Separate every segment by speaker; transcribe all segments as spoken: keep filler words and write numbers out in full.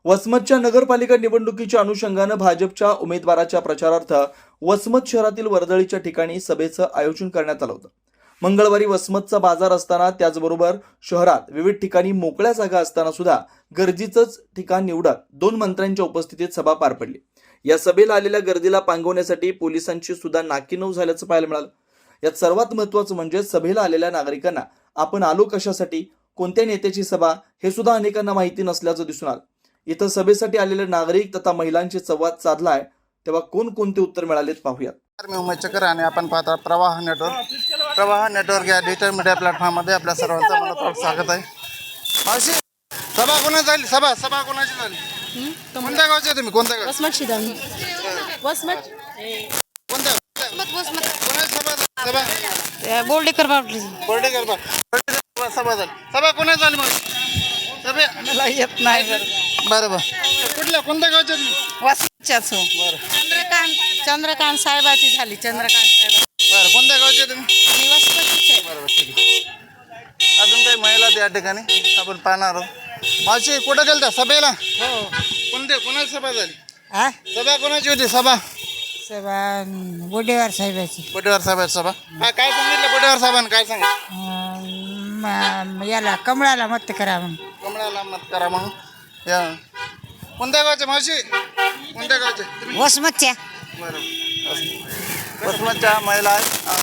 Speaker 1: वसमतच्या नगरपालिका निवडणुकीच्या अनुषंगानं भाजपच्या उमेदवाराच्या प्रचारार्थ वसमत शहरातील वर्दळीच्या ठिकाणी सभेचं आयोजन करण्यात आलं होतं। मंगळवारी वसमतचा बाजार असताना त्याचबरोबर शहरात विविध ठिकाणी मोकळ्या जागा असताना सुद्धा गर्दीचंच ठिकाण निवडत दोन मंत्र्यांच्या उपस्थितीत सभा पार पडली। या सभेला आलेल्या गर्दीला पांगवण्यासाठी पोलिसांची सुद्धा नाकीनऊ झाल्याचं पाहायला मिळालं। यात सर्वात महत्त्वाचं म्हणजे सभेला आलेल्या नागरिकांना आपण आलो कशासाठी, कोणत्या नेत्याची सभा हे सुद्धा अनेकांना माहिती नसल्याचं दिसून आलं। इथं सभेसाठी आलेले नागरिक तथा महिलांशी संवाद साधलाय, तेव्हा कोणकोणते उत्तर मिळालेत पाहूयात।
Speaker 2: मी उमेश चक्र आणि आपण पाहता प्रवाह नेटवर्क प्रवाह नेटवर्क या डिजिटल मीडिया प्लॅटफॉर्ममध्ये आपल्या सर्वांचं मनपूर्वक स्वागत आहे। मावशी, सभा कोणाची झाली? सभा सभा कोणाची झाली? कोणत्या गावचे तुम्ही? कोणत्या गाव?
Speaker 3: वसमत शिदामी वसमत
Speaker 2: कोणत्या
Speaker 3: वसमत वसमत
Speaker 2: कोणाची सभा झाली? सभा
Speaker 3: बोर्डेकर बापली
Speaker 2: बोर्डेकर बा बोर्डेकर सभा झाली। सभा कोणाची झाली? मग सभे
Speaker 3: मला येत नाही
Speaker 2: बरं बरं कुठल्या कोणत्या गावचे तुम्ही?
Speaker 3: वसमतच्याच हो।
Speaker 2: बरं
Speaker 3: चंद्रकांत चंद्रकांत साहेबाची झाली। चंद्रकांत साहेब
Speaker 2: बरं कोणत्या गावचे तुम्ही?
Speaker 3: आणि वसमतचीच आहे।
Speaker 2: बरोबर ठीक आहे। अजून काही महिला त्या ठिकाणी आपण पाहणार आहोत। मावशी कुठं गेलता सभेला?
Speaker 3: हो
Speaker 2: कोणते कोणाची सभा झाली?
Speaker 3: हा
Speaker 2: सभा कोणाची होती? सभा
Speaker 3: सभा बोर्डेकर साहेबाची।
Speaker 2: बोटेवार साहेबांची सभा हा काय सांगितलं? बोटेवार साहेबांनी काय सांगितलं?
Speaker 3: अं, याला कमळाला मत करा म्हणून।
Speaker 2: कमळाला मत करा म्हणून। या कोणत्या गावचे मावशी? कोणत्या गावचे तुम्ही?
Speaker 3: वसमतच्या
Speaker 2: बरोबर वसमतच्या महिला आहेत।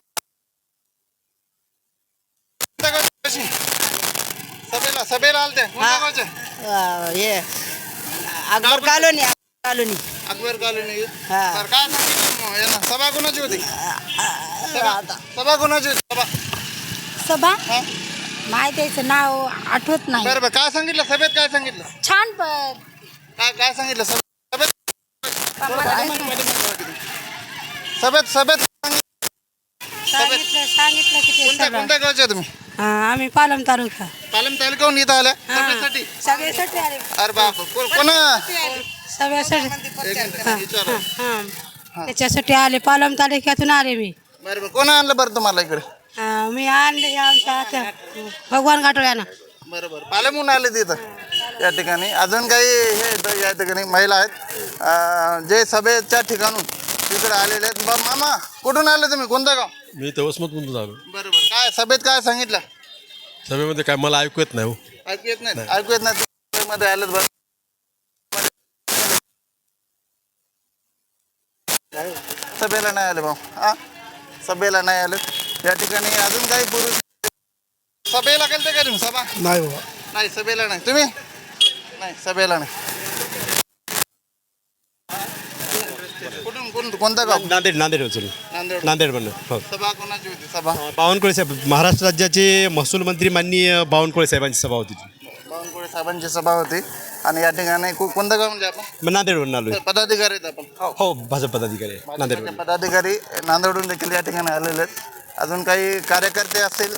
Speaker 2: कोणत्या गावच्या मावशी? सभेला सभेला आलत्या कोणत्या गावच्या?
Speaker 3: हे Akbar colony colony
Speaker 2: Akbar colony.
Speaker 3: हा.
Speaker 2: बरं काय सांगितलं मग यांना? सभा कोणाची होती? सभा सभा कोणाची होती? सभा
Speaker 3: सभा
Speaker 2: हा
Speaker 3: माहितीचं नाव आठवत नाही।
Speaker 2: बरं बरं काय सांगितलं सभेत? काय सांगितलं?
Speaker 3: छान पण
Speaker 2: काय काय सांगितलं सभेत? सभेत सभेत
Speaker 3: सांगितलं सांगितलं की ते
Speaker 2: कोणत्या
Speaker 3: सभा.
Speaker 2: कोणत्या गावच्या तुम्ही?
Speaker 3: हा, आम्ही पालम तालुका
Speaker 2: पालम तालुक्याहून इथं आल्या
Speaker 3: हा.
Speaker 2: सभेसाठी?
Speaker 3: सगळ्यासाठी आले
Speaker 2: अरे बाप को- कोणा
Speaker 3: सगळ्यासाठी
Speaker 2: एक मिनिट, विचारा.
Speaker 3: हा त्याच्यासाठी आले। पालम तालुक्यातून आले मी।
Speaker 2: बरं बरं कोण आणलं बरं तुम्हाला इकडे?
Speaker 3: हा, मी आणले हे आमच्या आता भगवान घाटोळ्यानं।
Speaker 2: बरं बरं पालमहून आले तिथं या ठिकाणी। अजून काही हे इथं या ठिकाणी महिला आहेत अं, जे सभेच्या ठिकाणून तिकडे आलेले आहेत। बरं मामा कुठून आले तुम्ही? कोणतं गाव?
Speaker 4: मी तर वसमतमधून आलो।
Speaker 2: बरं बरं काय सभेत काय सांगितलं?
Speaker 4: सभेमध्ये काय मला ऐकू येत नाही हो।
Speaker 2: ऐकू येत नाही? ऐकू येत नाही सभेमध्ये आलेत बरं सभेला नाही आले भाऊ हा सभेला नाही आले या ठिकाणी। अजून काही पुरुष सभेला गेलते का तुम्ही? सभा
Speaker 5: नाही बाबा,
Speaker 2: नाही सभेला नाही तुम्ही? नाही सभेला नाही। कुठून कोण कोणतं गाव?
Speaker 4: नांदेड नांदेड उचल
Speaker 2: नांदेड
Speaker 4: नांदेड म्हणून हो।
Speaker 2: सभा कोणाची होती? सभा
Speaker 4: बावनकुळे साहेब, महाराष्ट्र राज्याचे महसूल मंत्री माननीय बावनकुळे साहेबांची सभा होती ती।
Speaker 2: बावनकुळे साहेबांची सभा होती आणि या ठिकाणी को- कोणतं गाव म्हणजे आपण?
Speaker 4: मग नांदेडवरून आलो
Speaker 2: पदाधिकारी आहेत आपण
Speaker 4: हो, भाजप पदाधिकारी आहे नांदेड।
Speaker 2: भाजपचे पदाधिकारी नांदेडहून देखील या ठिकाणी आलेले आहेत। अजून काही कार्यकर्ते असतील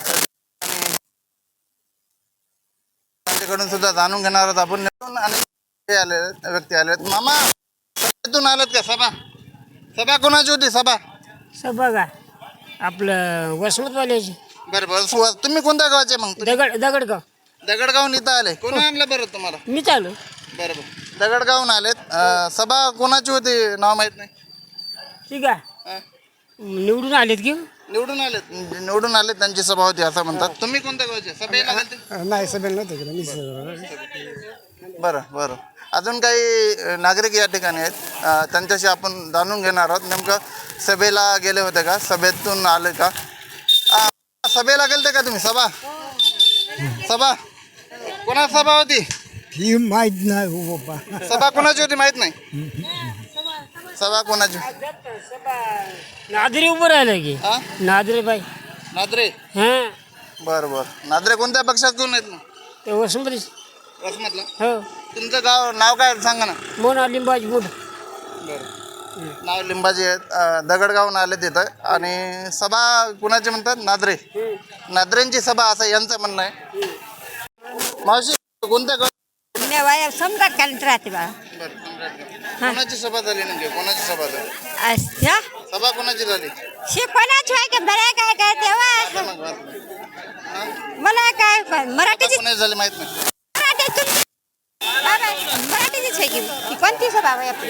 Speaker 2: त्यांच्याकडून सुद्धा जाणून घेणार आहोत आपण। निवडून आणि हे आले आहेत, व्यक्ती आले आहेत। मामा सभेतून आलेत का? सभा सभा कोणाची होती? सभा
Speaker 3: सभा का आपलं वसमतवाल्याची
Speaker 2: बरं बरं सु- तुम्ही कोणत्या गावाचे मग? तुम्ही
Speaker 3: दगड दगडगाव।
Speaker 2: दगडगावून इथं आले? कोणी आणलं बरं तुम्हाला?
Speaker 3: मी चालू
Speaker 2: बरं बरं दगडगावून आलेत। अं, सभा कोणाची होती? नाव माहीत नाही
Speaker 3: ठीक आहे।
Speaker 2: हा.
Speaker 3: निवडून आलेत की
Speaker 2: निवडून आलेत निवडून आलेत त्यांची सभा होती असं म्हणतात। तुम्ही कोणत्या गावचे? सभेला गेलते?
Speaker 5: नाही सभेला नव्हतं गेलं मी।
Speaker 2: बरं बरं अजून काही अ, नागरिक या ठिकाणी आहेत अ, त्यांच्याशी आपण जाणून घेणार आहोत। नेमकं सभेला गेले होते का? सभेतून आले का? अ, सभेला गेलते का तुम्ही? सभा सभा कोणाची सभा होती?
Speaker 5: ही माहीत नाही हो बाबा।
Speaker 2: सभा कोणाची होती माहीत नाही? सभा कोणाची?
Speaker 3: नादरे उभं राहिलं की
Speaker 2: हा
Speaker 3: नादरे बाई।
Speaker 2: नादरे
Speaker 3: हां
Speaker 2: बरं बरं नादरे कोणत्या पक्षातून आहेत मग?
Speaker 3: ते वसमतरी
Speaker 2: वसमतला
Speaker 3: हो।
Speaker 2: तुमचं गाव नाव काय सांगा ना?
Speaker 3: मोना लिंबाजी बुड
Speaker 2: बरं नाव लिंबाजी आहेत। अ, दगडगावून आले तिथं आणि सभा कुणाची म्हणतात? नादरे नादरेंची सभा असं यांचं म्हणणं आहे। मावशी कोणत्या गाव?
Speaker 3: सम्राट कालीत राहते बा।
Speaker 2: बरं सम्राटगड. कोणाची सभा झाली नेमकी? कोणाची सभा झाली?
Speaker 3: अच्छा
Speaker 2: सभा कोणाची झाली?
Speaker 3: शिकवणाच आहे का बरं काय काय तेव्हा
Speaker 2: मग वाच.
Speaker 3: मला काय मराठीची
Speaker 2: कोणाची झाली माहित नाही?
Speaker 3: मराठीतून मराठी
Speaker 6: मोदीच आहे की की कोणती सभा आहे आपली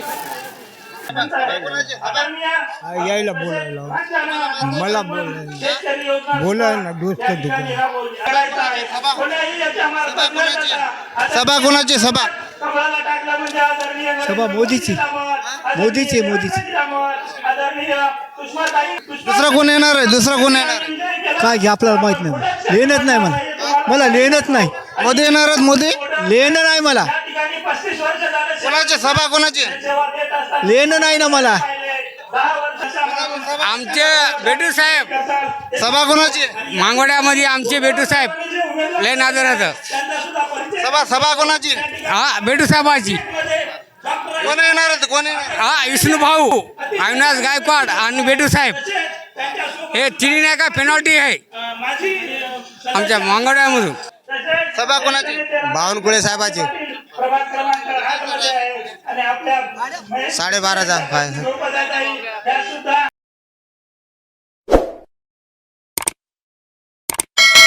Speaker 5: यायला बोलायला मला बोलायला बोलायला ना दोस्त दुकान
Speaker 2: सभा कोणाची सभा
Speaker 5: सभा मोदीची मोदीची मोदीची
Speaker 2: दुसरा कोण येणार आहे दुसरा कोण येणार आहे?
Speaker 5: काय घे आपल्याला माहित नाही लेणच नाही मला मला लेणच नाही
Speaker 2: मोदी येणार आहेत मोदी
Speaker 5: लेणं नाही मला
Speaker 2: कोणाची सभा कोणाची
Speaker 5: लेणं नाही ना मला
Speaker 7: आमचे बेटू साहेब
Speaker 2: सभा कोणाची
Speaker 7: मांगोड्यामध्ये आमचे बेटू साहेब लय नादराचं
Speaker 2: सभा सभा कोणाची
Speaker 7: हा बेटू साहेबाची
Speaker 2: कोण येणार आहेत कोण येणार
Speaker 7: हा विष्णू भाऊ अविनाश गायकवाड आणि बेटू साहेब हे तिन्ही नाही का पेनॉल्टी आहे आमच्या मांगोड्यामधून
Speaker 2: सभा कोणाची
Speaker 5: बावनकुळे साहेबाची साडेबाराचा काय